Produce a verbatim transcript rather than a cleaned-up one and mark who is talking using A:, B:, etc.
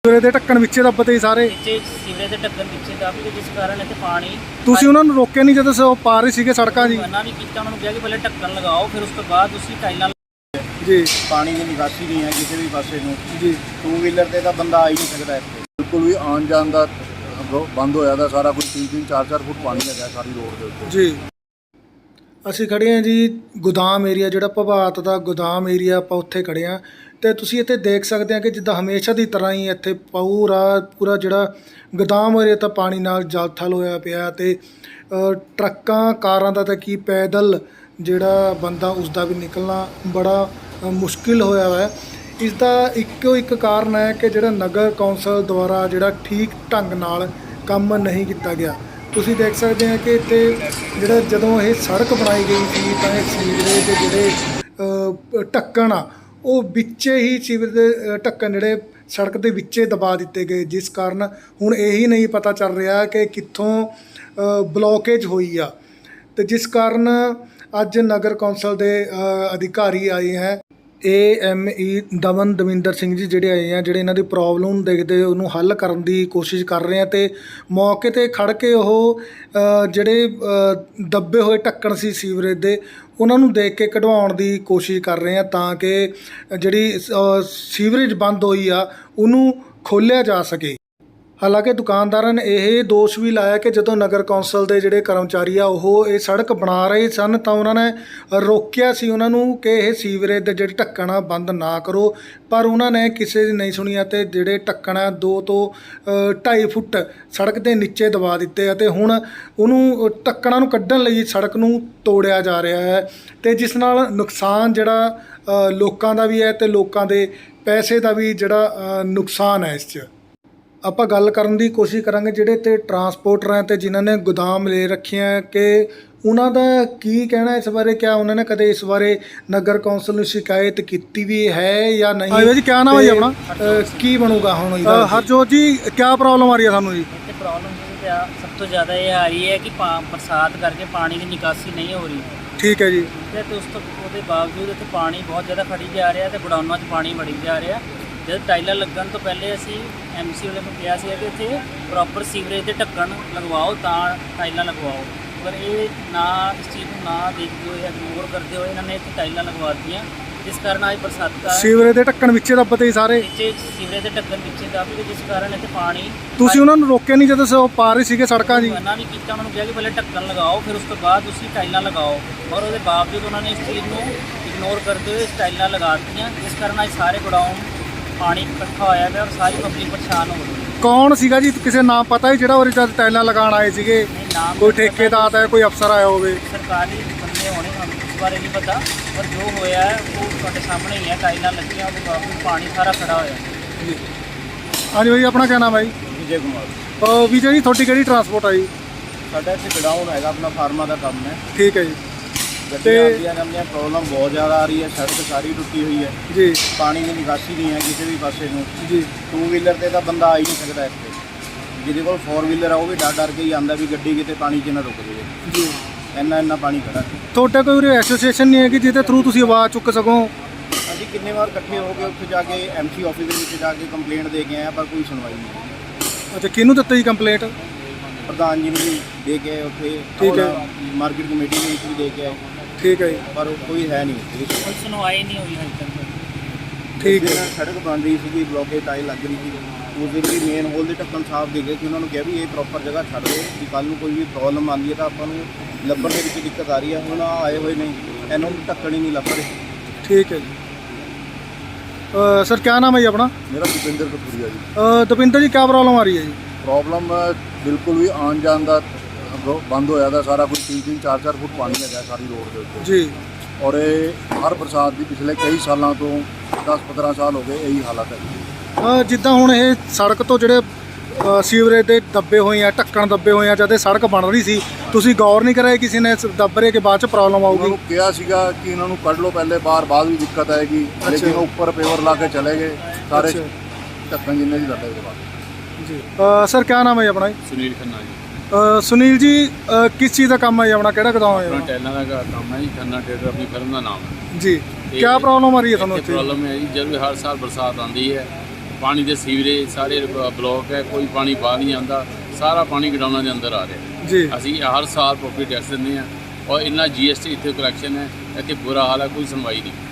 A: Sewerage ਦੇ ਢੱਕਣ ਵਿੱਚੇ ਦੱਬਦੇ ਸਾਰੇ
B: ਵਿੱਚੇ ਸੀਵਰੇਜ ਦੇ ਢੱਕਣ ਵਿੱਚੇ ਦੱਬ ਗਏ, ਜਿਸ ਕਾਰਨ ਇੱਥੇ ਪਾਣੀ।
A: ਤੁਸੀਂ ਉਹਨਾਂ ਨੂੰ ਰੋਕਿਆ ਨਹੀਂ ਜਦੋਂ ਉਹ ਪਾ ਰਹੇ ਸੀਗੇ ਸੜਕਾਂ ਜੀ?
B: ਮਨਾ ਵੀ ਕੀਤਾ, ਉਹਨਾਂ ਨੂੰ ਕਿਹਾ ਕਿ ਪਹਿਲੇ ਢੱਕਣ ਲਗਾਓ, ਫਿਰ ਉਸ ਤੋਂ ਬਾਅਦ ਤੁਸੀਂ ਟਾਈਲਾਂ
A: ਜੀ।
C: ਪਾਣੀ ਦੀ ਨਿਕਾਸੀ ਨਹੀਂ ਹੈ ਕਿਸੇ ਵੀ ਪਾਸੇ ਨੂੰ
A: ਜੀ।
C: ਟੂ ਵੀਲਰ ਤੇ ਤਾਂ ਬੰਦਾ ਆ ਹੀ ਨਹੀਂ ਸਕਦਾ ਇੱਥੇ, ਬਿਲਕੁਲ ਵੀ ਆਉਣ ਜਾਣ ਦਾ ਬੰਦ ਹੋਇਆ ਦਾ ਸਾਰਾ ਕੁਝ। ਤਿੰਨ ਤਿੰਨ ਚਾਰ ਚਾਰ ਫੁੱਟ ਪਾਣੀ ਹੈਗਾ ਸਾਰੀ ਰੋਡ ਦੇ ਉੱਤੇ
A: ਜੀ। ਅਸੀਂ ਖੜੇ ਹਾਂ ਜੀ ਗੋਦਾਮ ਏਰੀਆ, ਜਿਹੜਾ ਭਵਾਤ ਦਾ ਗੋਦਾਮ ਏਰੀਆ, ਆਪਾਂ ਉੱਥੇ ਖੜੇ ਹਾਂ। ਅਤੇ ਤੁਸੀਂ ਇੱਥੇ ਦੇਖ ਸਕਦੇ ਹਾਂ ਕਿ ਜਿੱਦਾਂ ਹਮੇਸ਼ਾ ਦੀ ਤਰ੍ਹਾਂ ਹੀ ਇੱਥੇ ਪੂਰਾ ਪੂਰਾ ਜਿਹੜਾ ਗੋਦਾਮ ਏਰੀਆ ਤਾਂ ਪਾਣੀ ਨਾਲ ਜਲ ਥਲ ਹੋਇਆ ਪਿਆ। ਅਤੇ ਟਰੱਕਾਂ ਕਾਰਾਂ ਦਾ ਤਾਂ ਕੀ, ਪੈਦਲ ਜਿਹੜਾ ਬੰਦਾ ਉਸਦਾ ਵੀ ਨਿਕਲਣਾ ਬੜਾ ਮੁਸ਼ਕਿਲ ਹੋਇਆ ਵਾ। ਇਸ ਦਾ ਇੱਕੋ ਇੱਕ ਕਾਰਨ ਹੈ ਕਿ ਜਿਹੜਾ ਨਗਰ ਕੌਂਸਲ ਦੁਆਰਾ ਜਿਹੜਾ ਠੀਕ ਢੰਗ ਨਾਲ ਕੰਮ ਨਹੀਂ ਕੀਤਾ ਗਿਆ। ਤੁਸੀਂ ਦੇਖ ਸਕਦੇ ਹੋ ਕਿ ਇੱਥੇ ਜਿਹੜਾ ਜਦੋਂ ਇਹ ਸੜਕ ਬਣਾਈ ਗਈ ਸੀ ਤਾਂ ਇਹ ਸੀਵਰੇਜ ਦੇ ਜਿਹੜੇ ਢੱਕਣ ਆ ਉਹ ਵਿੱਚੇ ਹੀ ਸੀਵਰੇਜ ਦੇ ਢੱਕਣ ਜਿਹੜੇ ਸੜਕ ਦੇ ਵਿੱਚੇ ਦਬਾ ਦਿੱਤੇ ਗਏ, ਜਿਸ ਕਾਰਨ ਹੁਣ ਇਹੀ ਨਹੀਂ ਪਤਾ ਚੱਲ ਰਿਹਾ ਕਿ ਕਿੱਥੋਂ ਬਲੋਕੇਜ ਹੋਈ ਆ। ਅਤੇ ਜਿਸ ਕਾਰਨ ਅੱਜ ਨਗਰ ਕੌਂਸਲ ਦੇ ਅਧਿਕਾਰੀ ਆਏ ਹੈ, A M E Daman Davinder Singh ji ਜਿਹੜੇ ਆਏ ਆ, ਜਿਹੜੇ ਇਹਨਾਂ ਦੀ ਪ੍ਰੋਬਲਮ ਨੂੰ ਦੇਖਦੇ ਉਹਨੂੰ ਹੱਲ ਕਰਨ ਦੀ ਕੋਸ਼ਿਸ਼ ਕਰ ਰਹੇ ਆ। ਅਤੇ ਮੌਕੇ 'ਤੇ ਖੜ੍ਹ ਕੇ ਉਹ ਜਿਹੜੇ ਦੱਬੇ ਹੋਏ ਢੱਕਣ ਸੀ ਸੀਵਰੇਜ ਦੇ, ਉਹਨਾਂ ਨੂੰ ਦੇਖ ਕੇ ਕਢਵਾਉਣ ਦੀ ਕੋਸ਼ਿਸ਼ ਕਰ ਰਹੇ ਆ ਤਾਂ ਕਿ ਜਿਹੜੀ ਸੀਵਰੇਜ ਬੰਦ ਹੋਈ ਆ ਉਹਨੂੰ ਖੋਲ੍ਹਿਆ ਜਾ ਸਕੇ। ਹਾਲਾਂਕਿ ਦੁਕਾਨਦਾਰਾਂ ਨੇ ਇਹ ਦੋਸ਼ ਵੀ ਲਾਇਆ ਕਿ ਜਦੋਂ ਨਗਰ ਕੌਂਸਲ ਦੇ ਜਿਹੜੇ ਕਰਮਚਾਰੀ ਆ ਉਹ ਇਹ ਸੜਕ ਬਣਾ ਰਹੇ ਸਨ ਤਾਂ ਉਹਨਾਂ ਨੇ ਰੋਕਿਆ ਸੀ ਉਹਨਾਂ ਨੂੰ ਕਿ ਇਹ ਸੀਵਰੇਜ ਦੇ ਜਿਹੜੇ ਢੱਕਣ ਆ ਬੰਦ ਨਾ ਕਰੋ, ਪਰ ਉਹਨਾਂ ਨੇ ਕਿਸੇ ਦੀ ਨਹੀਂ ਸੁਣੀ ਅਤੇ ਜਿਹੜੇ ਢੱਕਣ ਆ ਦੋ ਤੋਂ ਢਾਈ ਫੁੱਟ ਸੜਕ ਦੇ ਨੀਚੇ ਦਬਾ ਦਿੱਤੇ ਅਤੇ ਹੁਣ ਉਹਨੂੰ ਢੱਕਣਾਂ ਨੂੰ ਕੱਢਣ ਲਈ ਸੜਕ ਨੂੰ ਤੋੜਿਆ ਜਾ ਰਿਹਾ ਹੈ। ਅਤੇ ਜਿਸ ਨਾਲ ਨੁਕਸਾਨ ਜਿਹੜਾ ਲੋਕਾਂ ਦਾ ਵੀ ਹੈ ਅਤੇ ਲੋਕਾਂ ਦੇ ਪੈਸੇ ਦਾ ਵੀ ਜਿਹੜਾ ਨੁਕਸਾਨ ਹੈ। ਇਸ 'ਚ ਆਪਾਂ ਗੱਲ ਕਰਨ ਦੀ ਕੋਸ਼ਿਸ਼ ਕਰਾਂਗੇ ਜਿਹੜੇ ਤੇ ਟਰਾਂਸਪੋਰਟਰ ਹੈ ਅਤੇ ਜਿਨ੍ਹਾਂ ਨੇ ਗੋਦਾਮ ਲੈ ਰੱਖਿਆ ਕਿ ਉਹਨਾਂ ਦਾ ਕੀ ਕਹਿਣਾ ਇਸ ਬਾਰੇ। ਕਿਆ ਉਹਨਾਂ ਨੇ ਕਦੇ ਇਸ ਬਾਰੇ ਨਗਰ ਕੌਂਸਲ ਨੂੰ ਸ਼ਿਕਾਇਤ ਕੀਤੀ ਵੀ ਹੈ ਜਾਂ ਨਹੀਂ? ਹਾਂ ਜੀ, ਕਿਆ ਨਾਮ ਹੈ ਜੀ ਆਪਣਾ? ਕੀ ਬਣੂਗਾ ਹੁਣ ਇਹਦਾ? ਹਰਜੋਤ ਜੀ, ਕਿਆ ਪ੍ਰੋਬਲਮ ਆ ਰਹੀ ਹੈ ਸਾਨੂੰ ਜੀ?
B: ਇੱਥੇ ਪ੍ਰੋਬਲਮ ਸਭ ਤੋਂ ਜ਼ਿਆਦਾ ਇਹ ਆ ਰਹੀ ਹੈ ਕਿ ਬਰਸਾਤ ਕਰਕੇ ਪਾਣੀ ਦੀ ਨਿਕਾਸੀ ਨਹੀਂ ਹੋ ਰਹੀ।
A: ਠੀਕ ਹੈ ਜੀ।
B: ਅਤੇ ਉਸ ਤੋਂ ਉਹਦੇ ਬਾਵਜੂਦ ਇੱਥੇ ਪਾਣੀ ਬਹੁਤ ਜ਼ਿਆਦਾ ਖੜੀ ਜਾ ਰਿਹਾ ਅਤੇ ਗੋਡਾਊਨਾਂ 'ਚ ਪਾਣੀ ਵੜੀ ਜਾ ਰਿਹਾ। ਜਦ ਟਾਈਲਾਂ ਲੱਗਣ ਤੋਂ ਪਹਿਲੇ ਅਸੀਂ ਐਮ ਸੀ ਵਾਲੇ ਨੂੰ ਕਿਹਾ ਸੀ ਕਿ ਇੱਥੇ ਪ੍ਰੋਪਰ ਸੀਵਰੇਜ ਦੇ ਢੱਕਣ ਲਗਵਾਓ ਤਾਂ ਟਾਈਲਾਂ ਲਗਵਾਓ, ਪਰ ਇਹ ਨਾ ਇਸ ਚੀਜ਼ ਨੂੰ ਨਾ ਦੇਖਦੇ ਹੋਏ, ਇਗਨੋਰ ਕਰਦੇ ਹੋਏ ਇਹਨਾਂ ਨੇ ਇੱਥੇ ਟਾਈਲਾਂ ਲਗਵਾ ਦਿੱਤੀਆਂ, ਜਿਸ ਕਾਰਨ ਅੱਜ ਬਰਸਾਤਾਂ
A: ਸੀਵਰੇਜ ਦੇ ਢੱਕਣ ਵਿੱਚੇ ਦੱਬਦੇ ਸਾਰੇ
B: ਵਿੱਚੇ ਸੀਵਰੇਜ ਦੇ ਢੱਕਣ ਵਿੱਚੇ ਦੱਬ ਗਏ, ਜਿਸ ਕਾਰਨ ਇੱਥੇ ਪਾਣੀ।
A: ਤੁਸੀਂ ਉਹਨਾਂ ਨੂੰ ਰੋਕਿਆ ਨਹੀਂ ਜਦੋਂ ਉਹ ਪਾ ਰਹੇ ਸੀਗੇ ਸੜਕਾਂ ਜੀ?
B: ਮਨਾ ਵੀ ਕੀਤਾ, ਉਹਨਾਂ ਨੂੰ ਕਿਹਾ ਕਿ ਪਹਿਲੇ ਢੱਕਣ ਲਗਾਓ, ਫਿਰ ਉਸ ਤੋਂ ਬਾਅਦ ਤੁਸੀਂ ਟਾਈਲਾਂ ਲਗਾਓ, ਔਰ ਉਹਦੇ ਬਾਵਜੂਦ ਉਹਨਾਂ ਨੇ ਇਸ ਚੀਜ਼ ਨੂੰ ਇਗਨੋਰ ਕਰਦੇ ਹੋਏ ਟਾਈਲਾਂ ਲਗਾ ਦਿੱਤੀਆਂ, ਜਿਸ ਕਾਰਨ ਅੱਜ ਸਾਰੇ ਗੋਡਾਊਨ ਪਾਣੀ ਇਕੱਠਾ ਹੋਇਆ ਪਿਆ ਔਰ ਸਾਰੀ ਪਬਲਿਕ ਪਰੇਸ਼ਾਨ ਹੋ ਰਹੀ ਹੈ।
A: ਕੌਣ ਸੀਗਾ ਜੀ, ਕਿਸੇ ਨਾਮ ਪਤਾ ਹੈ ਜਿਹੜਾ ਉਹਦੇ ਜਦ ਟਾਈਲਾਂ ਲਗਾਉਣ ਆਏ ਸੀਗੇ?
B: ਨਾਮ
A: ਕੋਈ ਠੇਕੇਦਾਰ ਹੈ, ਕੋਈ ਅਫਸਰ ਆਇਆ ਹੋਵੇ?
B: ਸਰਕਾਰੀ ਬੰਦੇ ਹੋਣੇ, ਸਾਨੂੰ ਇਸ ਬਾਰੇ ਨਹੀਂ ਪਤਾ, ਪਰ ਜੋ ਹੋਇਆ ਉਹ ਤੁਹਾਡੇ ਸਾਹਮਣੇ ਹੀ ਹੈ। ਟਾਈਲਾਂ ਲੱਗੀਆਂ, ਉਹਦੇ ਬਾਵਜੂਦ ਪਾਣੀ ਸਾਰਾ ਖੜਾ ਹੋਇਆ
A: ਜੀ। ਹਾਂਜੀ ਭਾਈ, ਆਪਣਾ ਕਿਆ ਨਾਮ ਹੈ ਜੀ?
C: ਵਿਜੇ ਕੁਮਾਰ।
A: ਵਿਜੇ ਜੀ, ਤੁਹਾਡੀ ਕਿਹੜੀ ਟਰਾਂਸਪੋਰਟ ਆ ਜੀ?
C: ਸਾਡਾ ਇੱਥੇ ਗਡਾਊਨ ਹੈਗਾ, ਆਪਣਾ ਫਾਰਮਾ ਦਾ ਕੰਮ ਹੈ।
A: ਠੀਕ ਹੈ ਜੀ।
C: ਗੱਡੀਆਂ ਆਉਂਦੀਆਂ ਜਾਂਦੀਆਂ, ਪ੍ਰੋਬਲਮ ਬਹੁਤ ਜ਼ਿਆਦਾ ਆ ਰਹੀ ਹੈ, ਸੜਕ ਸਾਰੀ ਟੁੱਟੀ ਹੋਈ ਹੈ
A: ਜੀ।
C: ਪਾਣੀ ਦੀ ਨਿਕਾਸੀ ਨਹੀਂ ਹੈ ਕਿਸੇ ਵੀ ਪਾਸੇ ਨੂੰ
A: ਜੀ।
C: ਟੂ ਵੀਲਰ ਤੇ ਤਾਂ ਬੰਦਾ ਆ ਹੀ ਨਹੀਂ ਸਕਦਾ ਇੱਥੇ, ਜਿਹਦੇ ਕੋਲ ਫੋਰ ਵੀਲਰ ਆ ਉਹ ਵੀ ਡਰ ਡਰ ਕੇ ਹੀ ਆਉਂਦਾ ਵੀ ਗੱਡੀ ਕਿਤੇ ਪਾਣੀ 'ਚ ਨਾ ਰੁਕ ਜਾਵੇ।
A: ਜੀ।
C: ਇੰਨਾ ਇੰਨਾ ਪਾਣੀ ਖੜਾ।
A: ਤੁਹਾਡਾ ਕੋਈ ਐਸੋਸੀਏਸ਼ਨ ਨਹੀਂ ਹੈ ਕਿ ਜਿਹਦੇ ਥਰੂ ਤੁਸੀਂ ਆਵਾਜ਼ ਚੁੱਕ ਸਕੋ?
C: ਅਸੀਂ ਕਿੰਨੇ ਵਾਰ ਇਕੱਠੇ ਹੋ ਕੇ ਉੱਥੇ ਜਾ ਕੇ ਐਮ ਸੀ ਆਫਿਸ ਦੇ ਵਿੱਚ ਜਾ ਕੇ ਕੰਪਲੇਂਟ ਦੇ ਕੇ ਆਏ, ਪਰ ਕੋਈ ਸੁਣਵਾਈ ਨਹੀਂ।
A: ਅੱਛਾ, ਕਿਹਨੂੰ ਦਿੱਤੀ ਜੀ ਕੰਪਲੇਂਟ?
C: ਪ੍ਰਧਾਨ ਜੀ ਨੂੰ ਵੀ ਦੇ ਕੇ ਆਏ ਉੱਥੇ,
A: ਠੀਕ ਹੈ।
C: ਮਾਰਕੀਟ ਕਮੇਟੀ ਨੂੰ ਵੀ ਦੇ ਕੇ ਆਏ,
A: ਠੀਕ ਹੈ ਜੀ।
C: ਪਰ ਕੋਈ ਹੈ ਨਹੀਂ,
B: ਕੋਈ ਸੁਣਵਾਈ ਨਹੀਂ ਹੋਈ ਹਜੇ ਤੱਕ।
A: ਠੀਕ ਹੈ।
C: ਸੜਕ ਬਣ ਰਹੀ ਸੀਗੀ, ਬਲੋਕੇਜ ਟਾਈਲ ਲੱਗ ਰਹੀ ਸੀ, ਉਸ ਦੇ ਵੀ ਮੇਨ ਹੋਲ ਦੇ ਢੱਕਣ ਸਾਫ਼ ਦੇ ਗਏ ਕਿ ਉਹਨਾਂ ਨੂੰ ਕਿਹਾ ਵੀ ਇਹ ਪ੍ਰੋਪਰ ਜਗ੍ਹਾ ਛੱਡ ਦਿਓ ਕਿ ਕੱਲ੍ਹ ਨੂੰ ਕੋਈ ਵੀ ਪ੍ਰੋਬਲਮ ਆਉਂਦੀ ਹੈ ਤਾਂ ਆਪਾਂ ਨੂੰ ਲੱਭਣ ਦੇ ਵਿੱਚ ਦਿੱਕਤ ਆ ਰਹੀ ਹੈ। ਹੁਣ ਆਏ ਹੋਏ ਨੇ, ਇਹਨਾਂ ਨੂੰ ਢੱਕਣ ਹੀ ਨਹੀਂ ਲੱਭ ਰਹੇ।
A: ਠੀਕ ਹੈ ਜੀ। ਸਰ, ਕਿਆ ਨਾਮ ਹੈ ਜੀ ਆਪਣਾ?
D: ਮੇਰਾ ਦਵਿੰਦਰ ਕਪੂਰੀਆ ਜੀ।
A: ਦਵਿੰਦਰ ਜੀ, ਕਿਆ ਪ੍ਰੋਬਲਮ ਆ ਰਹੀ ਹੈ ਜੀ?
D: ਪ੍ਰੋਬਲਮ ਬਿਲਕੁਲ ਵੀ ਆਉਣ ਜਾਣ ਦਾ ਬੰਦ ਹੋਇਆ ਦਾ ਸਾਰਾ ਕੁਝ। ਤਿੰਨ ਤਿੰਨ ਚਾਰ ਚਾਰ ਫੁੱਟ ਪਾਣੀ ਹੈਗਾ ਸਾਰੀ ਰੋਡ ਦੇ ਉੱਤੇ
A: ਜੀ।
D: ਔਰ ਇਹ ਹਰ ਬਰਸਾਤ ਦੀ ਪਿਛਲੇ ਕਈ ਸਾਲਾਂ ਤੋਂ ਦਸ ਪੰਦਰਾਂ ਸਾਲ ਹੋ ਗਏ ਇਹੀ ਹਾਲਤ ਹੈ।
A: ਜਿੱਦਾਂ ਹੁਣ ਇਹ ਸੜਕ ਤੋਂ ਜਿਹੜੇ ਸੀਵਰੇਜ ਦੇ ਦੱਬੇ ਹੋਏ ਆ, ਢੱਕਣ ਦੱਬੇ ਹੋਏ ਆ, ਜਦ ਇਹ ਸੜਕ ਬਣ ਰਹੀ ਸੀ ਤੁਸੀਂ ਗੌਰ ਨਹੀਂ ਕਰਾਇਆ ਕਿਸੇ ਨੇ ਦੱਬ ਰਹੇ ਕਿ ਬਾਅਦ ਚ ਪ੍ਰੋਬਲਮ ਆਊਗੀ?
D: ਉਹਨਾਂ ਨੂੰ ਕਿਹਾ ਸੀਗਾ ਕਿ ਇਹਨਾਂ ਨੂੰ ਕੱਢ ਲਓ ਪਹਿਲੇ, ਬਾਹਰ ਬਾਅਦ ਵੀ ਦਿੱਕਤ ਆਏਗੀ, ਲੇਕਿਨ ਉਹ ਉੱਪਰ ਪੇਵਰ ਲਾ ਕੇ ਚਲੇ ਗਏ ਸਾਰੇ ਢੱਕਣ ਜਿੰਨੇ ਵੀ ਲੱਗੇ ਉਹਦੇ ਬਾਅਦ।
A: ਜੀ। ਸਰ, ਕਿਆ ਨਾਮ ਹੈ ਜੀ ਆਪਣਾ?
E: ਸੁਨੀਲ ਖੰਨਾ ਜੀ।
A: ਸੁਨੀਲ ਜੀ, ਕਿਸ ਚੀਜ਼ ਦਾ ਕੰਮ ਹੈ ਜੀ ਆਪਣਾ? ਕਿਹੜਾ ਗੋਦਾਮ ਹੈ?
E: ਆਪਣਾ ਟੈਲਾਂ ਦਾ ਕੰਮ ਹੈ ਜੀ। ਖੰਨਾ ਟੇਲਰ ਆਪਣੀ ਫਰਮ ਦਾ ਨਾਮ ਹੈ
A: ਜੀ। ਕਿਆ ਪ੍ਰੋਬਲਮ ਆ ਰਹੀ ਹੈ ਤੁਹਾਨੂੰ ਇੱਥੇ?
E: ਪ੍ਰੋਬਲਮ ਹੈ ਜੀ, ਜਦ ਵੀ ਹਰ ਸਾਲ ਬਰਸਾਤ ਆਉਂਦੀ ਹੈ ਪਾਣੀ ਦੇ ਸੀਵਰੇਜ ਸਾਰੇ ਬ- ਬਲੋਕ ਹੈ, ਕੋਈ ਪਾਣੀ ਬਾਹਰ ਨਹੀਂ ਆਉਂਦਾ, ਸਾਰਾ ਪਾਣੀ ਗਡਾਊਨਾਂ ਦੇ ਅੰਦਰ ਆ ਰਿਹਾ।
A: ਜੀ
E: ਅਸੀਂ ਹਰ ਸਾਲ ਪ੍ਰੋਪਰਟੀ ਟੈਕਸ ਦਿੰਦੇ ਹਾਂ ਔਰ ਇੰਨਾ ਜੀ ਐਸ ਟੀ ਇੱਥੇ ਕਲੈਕਸ਼ਨ ਹੈ, ਇੱਥੇ ਬੁਰਾ ਹਾਲ ਹੈ, ਕੋਈ ਸੁਣਵਾਈ ਨਹੀਂ।